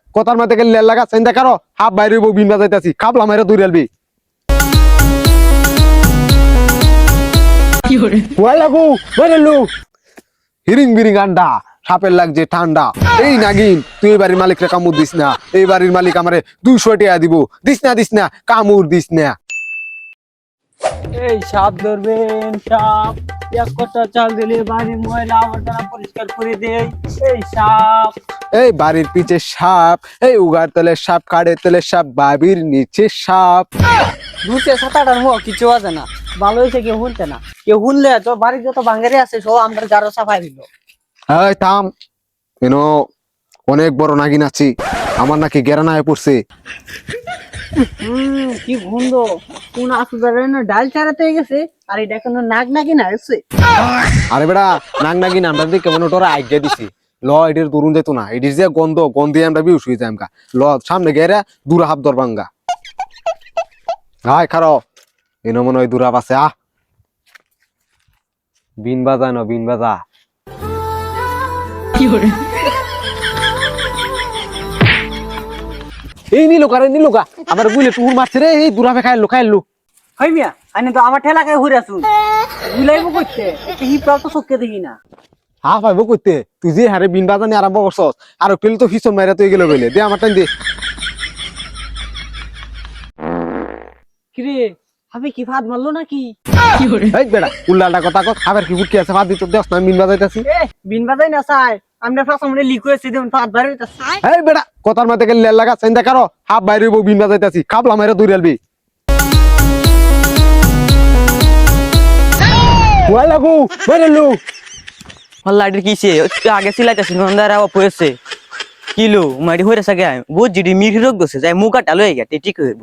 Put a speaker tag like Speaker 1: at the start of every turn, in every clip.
Speaker 1: কথার মাঝে গেলে লেল লাগা চিন্তা করো হাফ বাইরে বিন বাজাইতেছি খাবলা মাইরা দূরে আলবি ওয়াই লাগু বেরেলু হিরিং বিরিং আন্ডা সাপের লাগছে ঠান্ডা এই নাগিন তুই এই বাড়ির মালিকরে কামড় দিস না এই বাড়ির মালিক আমারে 200 টাকা দিব দিস না কামড় দিস না
Speaker 2: এই সাপ ধরবেন সাপ এক কথা চাল দিলে বাড়ির ময়লা আবর্জনা পরিষ্কার করে দেয় এই সাপ
Speaker 1: এই বাড়ির পিছে সাপ এই উগার তলে সাপ কাড়ে তলে সাপ বাবির নিচে সাপ
Speaker 2: দুধে সাঁতার হোক কিছু আছে না ভালো হয়েছে কেউ শুনতে না কেউ শুনলে তো বাড়ির যত বাঙ্গারি আছে সব আমরা যারো সাফাই দিল
Speaker 1: এই থাম কেন অনেক বড় নাগিন আছি আমার নাকি গেরানায় পড়ছে
Speaker 2: কি গন্ধ কোন আসুদারে না ডাল চারাতে গেছে আর এটা কোনো নাক নাকি না আছে
Speaker 1: আরে বেড়া নাগ নাগিন আমরা দিকে কেমন তোরা আজ্ঞা দিছি ল এটির দূরুন যেত না এটির যে গন্ধে আমরা বিউস হয়ে যাই ল সামনে গেরা দূরা হাত দরবাঙ্গা হাই খারো এনো মনে হয় দূরাব আছে বিন বাজা ন বিন বাজা এই নিলুকা আমার গুলে টুর মারছে রে এই দূরাবে খাইলো
Speaker 2: হই মিয়া আইনে তো আমার ঠেলা খায় ঘুরে আসুন গুলাইবো করতে হি প্রাপ্ত চোখকে দেখি না
Speaker 1: পাইবো কইতে তুই যে হারে বিন বাজানি আরম্ভ করছস আর পেলে তো ফিসন মাইরা তুই গেল বলে দে আমার টাইম দে
Speaker 2: কিরে আমি কি ভাত মারলো নাকি
Speaker 1: এই বেড়া উল্লাটা কথা কত খাবার কি ফুটকি আছে ভাত দিতে দেস না বিন বাজাইতাছি
Speaker 2: বিন বাজাই না চাই আমরা ফাঁস আমরা লিক হয়েছি দেখুন ভাত বাইরে হইতাছে
Speaker 1: এই বেড়া কথার মাঝে গেলে লেল লাগা চিন্তা করো হাফ বাইরে বিন বাজাইতাছি খাবলা মাইরা দূরে আলবি ওয়াই লাগু বেরেলু
Speaker 3: লাইটের কিসে আগে সিলাইতেছি নন্দারা পড়েছে কিলো মারি হয়ে সাগে বহুত জিডি মিঠি রোগ গেছে যাই মুখ কাটা লয়ে গেছে ঠিক হইব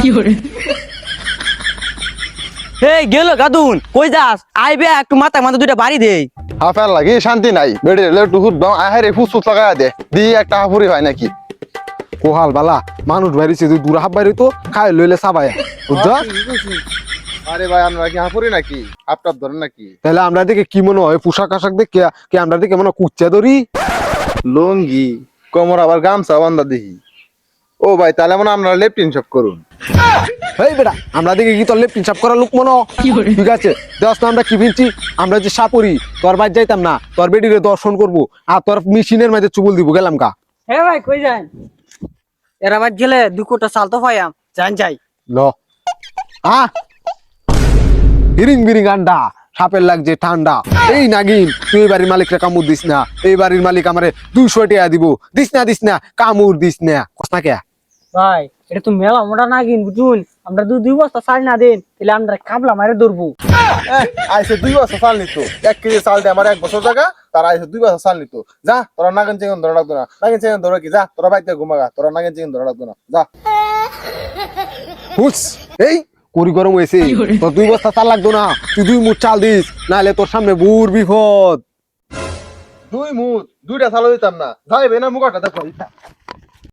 Speaker 3: হে গেল গাদুন কই যাস আইবে একটু মাথা মাথা দুইটা বাড়ি দেই
Speaker 4: হাফার লাগি শান্তি নাই বেড়ে একটু হুদবাম আহারে ফুসফুস লাগা দে দি একটা হাফুরি হয় নাকি
Speaker 1: কোহাল বালা মানুষ বাইরেছে তুই দূর হাফ বাইরে তো খাই লইলে সাবাই বুঝছ
Speaker 4: আরে ভাই আমরা কি হাফুরি নাকি হাফটাপ ধরেন নাকি
Speaker 1: তাহলে আমরা দিকে কি মনে হয় পোশাক আশাক দেখে কি আমরা দিকে মনে হয় কুচ্চা ধরি
Speaker 4: লুঙ্গি কোমর আবার গামছা বান্ধা দেখি ও ভাই তাহলে মনে আমরা লেফটিন সব করুন
Speaker 1: এই বেটা আমরা দিকে কি তোর লেফটিন সাপ করা লোক মনে ঠিক আছে দেখ আমরা কি ভিনছি আমরা যে সাপুরি তোর বাইর যাইতাম না তোর বেডিরে দর্শন করবো আর তোর মেশিনের মাঝে চুবল দিব গেলাম কা
Speaker 2: হে ভাই কই যান এরা বাদ গেলে 2 কোটা চাল তো পাইয়াম জান যাই
Speaker 1: ল হিরিং বিরিং আন্ডা সাপের লাগছে ঠান্ডা এই নাগিন তুই এই বাড়ির মালিকরে কামড় দিস না এই বাড়ির মালিক আমারে 200 টাকা দিব দিস না কামড় দিস না কষ্ট কে
Speaker 2: ভাই এটা তো মেলা মোটা না কিন বুঝুন আমরা 2 বস্তা চাল না দেন তাহলে আমরা কাবলা মারে ধরবো
Speaker 4: আইসে 2 বছর চাল নিত 1 কেজি চাল দে আমার 1 বছর জায়গা তার আইসে 2 বছর চাল নিত যা তোরা নাগিন চিকেন ধরা লাগতো না নাগিন চিকেন ধরা কি যা তোরা বাইতে ঘুমাগা তোরা নাগিন চিকেন ধরা লাগতো না যা
Speaker 1: হুস এই করি গরম হয়েছে তোর 2 বস্তা চাল লাগতো না তুই 2 মুঠ চাল দিস নাহলে তোর সামনে বুর বিপদ
Speaker 4: 2 মুঠ 2টা চাল দিতাম না যাইবে না মুখাটা দেখো